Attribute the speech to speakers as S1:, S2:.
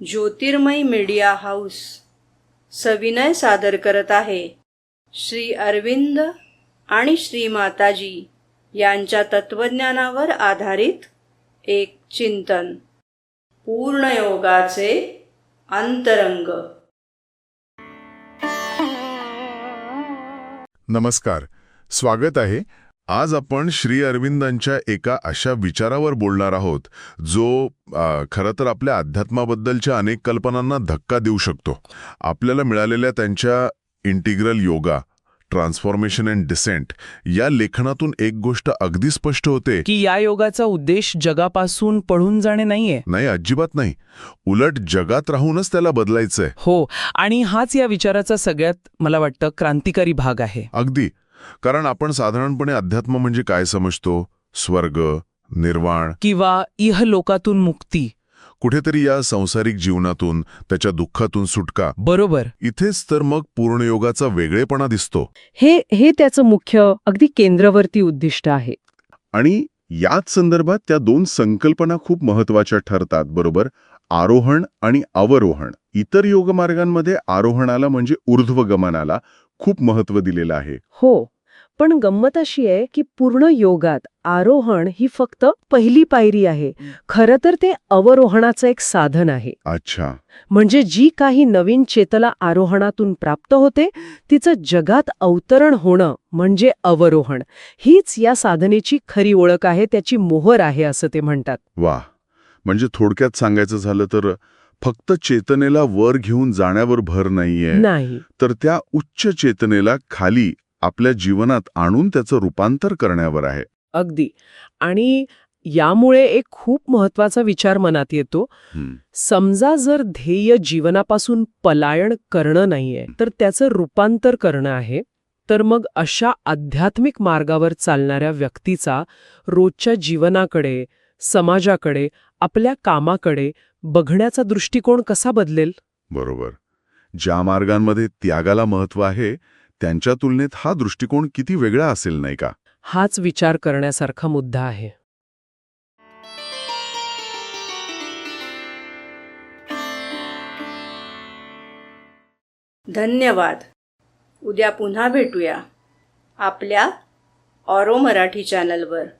S1: ज्योतिर्मय media house सविनय सादर करत आहे श्री अरविंद आणि श्री माताजी यांच्या तत्वज्ञानावर आधारित एक चिंतन, पूर्णयोगाचे अंतरंग.
S2: नमस्कार, स्वागत आहे. आज आपण श्री अरविंदांच्या एका अशा विचारावर बोलणार आहोत जो खरं तर आपल्या अध्यात्माबद्दलच्या अनेक कल्पनांना धक्का देऊ शकतो. आपल्याला मिळालेल्या त्यांच्या integral yoga, transformation and descent या लेखनातून एक गोष्ट अगदी स्पष्ट होते
S3: की या योगाचा उद्देश जगापासून पळून जाणे नाहीये.
S2: नाही, अजिबात नाही. उलट जगात राहूनच त्याला बदलायचंय.
S3: हो, आणि हाच या विचाराचा सगळ्यात मला वाटतं क्रांतिकारी भाग आहे.
S2: अगदी. कारण आपण साधारणपणे अध्यात्म म्हणजे काय समजतो? स्वर्ग, निर्वाण
S3: किंवा इहलोकातून मुक्ती.
S2: कुठेतरी या संसारिक जीवनातून, त्याच्या दुःखातून सुटका.
S3: बरोबर.
S2: इथेच तर मग पूर्णयोगाचा वेगळेपणा दिसतो.
S4: हे त्याचं मुख्य, अगदी केंद्रवर्ती उद्दिष्ट आहे.
S2: आणि याच संदर्भात त्या दोन संकल्पना खूप महत्वाच्या ठरतात, बरोबर? आरोहण आणि अवरोहण. इतर योगमार्गांमध्ये आरोहणाला म्हणजे ऊर्ध्वगमनाला खूप महत्त्व दिलेलं आहे.
S4: हो, पण गंमत अशी आहे की पूर्ण योगात आरोहण ही फक्त पहिली पायरी आहे. खरं तर ते अवरोहणाचं एक साधन आहे.
S2: अच्छा.
S4: म्हणजे जी काही नवीन चेतना आरोहणातून प्राप्त होते तिचं जगात अवतरण होणं म्हणजे अवरोहण. हीच या साधनेची खरी ओळख आहे, त्याची मोहर आहे असं ते म्हणतात.
S2: वा, म्हणजे थोडक्यात सांगायचं झालं तर फक्त चेतनेला वर घेऊन जाण्यावर भर नाहीये,
S4: नाही,
S2: तर त्या उच्च चेतनेला खाली आपल्या जीवनात आणून त्याचं रूपांतर करण्यावर आहे.
S4: अगदी. आणि यामुळे एक खूप महत्वाचा विचार मनात येतो. समजा जर ध्येय जीवनापासून पलायन करणं नाहीये, तर त्याचं रूपांतर करणं आहे, तर मग अशा आध्यात्मिक मार्गावर चालणाऱ्या व्यक्तीचा रोजच्या जीवनाकडे, समाजाकडे, आपल्या कामाकडे बघण्याचा दृष्टिकोन कसा बदलेल?
S2: बरोबर. ज्या मार्गांमध्ये त्यागाला महत्त्व आहे त्यांच्या तुलनेत हा दृष्टिकोन किती वेगळा असेल, नाही का?
S4: हाच विचार करण्यासारखा मुद्दा आहे.
S1: धन्यवाद. उद्या पुन्हा भेटूया आपल्या ऑरो मराठी चॅनलवर.